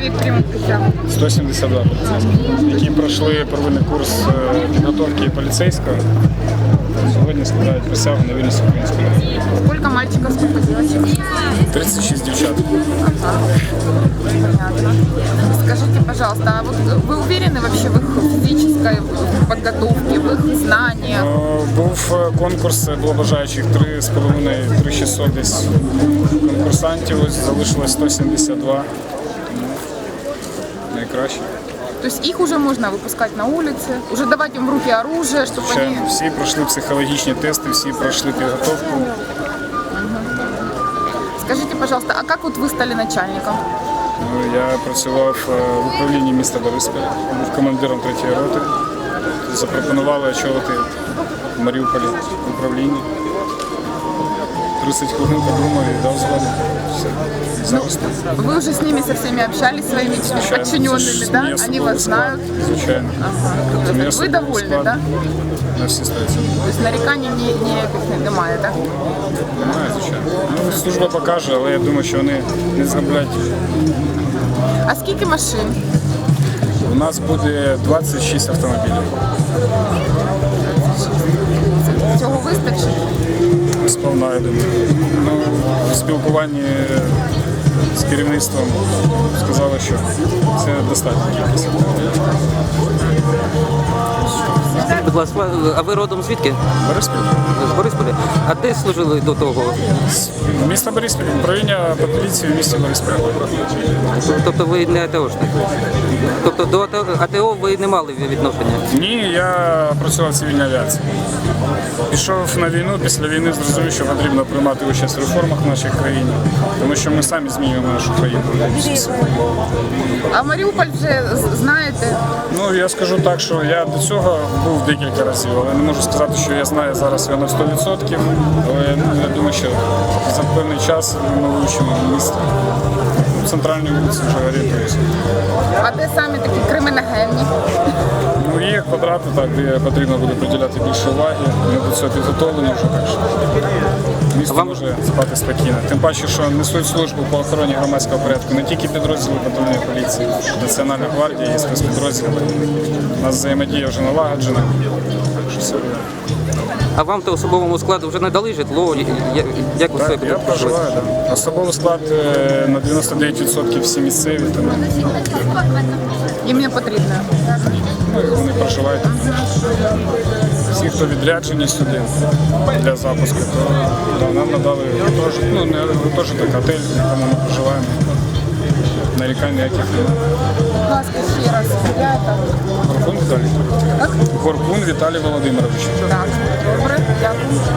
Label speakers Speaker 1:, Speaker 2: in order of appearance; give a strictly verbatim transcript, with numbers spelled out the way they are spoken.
Speaker 1: чоловік приймуть присягу?
Speaker 2: сто сімдесят два поліцейських, які пройшли первинний курс е, підготовки поліцейського. Сьогодні складають присягу на вірність українському народу.
Speaker 1: Сколько мальчиков, сколько девочек?
Speaker 2: тридцять шість дівчат.
Speaker 1: Ага. Понятно. Скажите, пожалуйста, а вот вы уверены вообще в их физической подготовке, в их знаниях?
Speaker 2: Е, Був е, конкурс, було бажаючих три з половиною - три шістсот десь конкурсантів, ось залишилось сто сімдесят два. Тому найкраще.
Speaker 1: То есть их уже можно выпускать на улице, уже давать им в руки оружие, чтобы
Speaker 2: Звичайно,
Speaker 1: они...
Speaker 2: всі пройшли психологічні тести, всі пройшли підготовку.
Speaker 1: Скажите, пожалуйста, а как вот вы стали начальником?
Speaker 2: Ну, Я працював е, в управлінні міста Борисполя, був командиром третьої роти. Запропонували очолити в Маріуполі управління. тридцять хвилин подумав і дав згоду. Все. Зараз тут.
Speaker 1: Вы уже с ними со всеми общались, своими
Speaker 2: Звичайно, це
Speaker 1: подчиненными,
Speaker 2: ж
Speaker 1: да?
Speaker 2: мій
Speaker 1: Они
Speaker 2: особовий
Speaker 1: вас
Speaker 2: склад.
Speaker 1: знают.
Speaker 2: Звичайно.
Speaker 1: Ага.
Speaker 2: Це мій
Speaker 1: Вы
Speaker 2: особовий
Speaker 1: довольны,
Speaker 2: склад.
Speaker 1: да?
Speaker 2: На всі сто відсотків.
Speaker 1: То есть нареканий ні- ніяких немає, так?
Speaker 2: Немає, звичайно. Ну, служба покаже, але я думаю, що вони не зроблять.
Speaker 1: А скільки машин?
Speaker 2: У нас буде двадцять шість автомобілів.
Speaker 1: Цього вистачить?
Speaker 2: Сповна, я думаю. Ну, в спілкуванні з керівництвом сказали, що це достатньо кількість автомобілів.
Speaker 3: Будь ласка, а ви родом звідки?
Speaker 2: Бориспіль.
Speaker 3: З Борисполя? А де служили до того?
Speaker 2: Місто Бориспіль, управління по поліції в місті Бориспіль.
Speaker 3: Тобто ви не АТОшник? Тобто до АТО АТО ви не мали відношення?
Speaker 2: Ні, я працював в цивільній авіації. Пішов на війну, після війни зрозумів, що потрібно приймати участь в реформах в нашій країні, тому що ми самі змінюємо нашу країну.
Speaker 1: А Маріуполь вже з- знаєте?
Speaker 2: Ну, я скажу так, що я до цього був декілька разів, але не можу сказати, що я знаю зараз його на сто відсотків, але ну, я думаю, що за певний час ми вивчимо місто. Центральні вулиці вже орієнтуюся.
Speaker 1: А де самі такі криміногенні?
Speaker 2: Ну, є квадрати, так, де потрібно буде приділяти більше уваги. Ми до цього підготовлені вже, так що місто
Speaker 3: Вам-
Speaker 2: може спати спокійно. Тим паче, що несуть службу по охороні громадського порядку не тільки підрозділи патрульної поліції, Національна гвардія і спецпідрозділи. У нас взаємодія вже налагоджена, так що все буде.
Speaker 3: А вам то особовому складу вже надали житло? Я- Як ви себе
Speaker 2: Так, я
Speaker 3: тут
Speaker 2: проживаю,
Speaker 3: почуваєте?
Speaker 2: так. Особовий склад е, на дев'яносто дев'ять відсотків всі місцеві, тому
Speaker 1: Їм не потрібно.
Speaker 2: ну, і вони проживають. Всі, хто відряджені сюди для запуску, то да, нам надали гуртожиток, ну не гуртожиток, готель, в якому ми проживаємо. Нарікань ніяких немає.
Speaker 1: Будь ласка, ще раз. Я так.
Speaker 2: Горбун Віталій.
Speaker 1: Так?
Speaker 2: Горбун Віталій Володимирович.
Speaker 1: Так. Добре, дякую.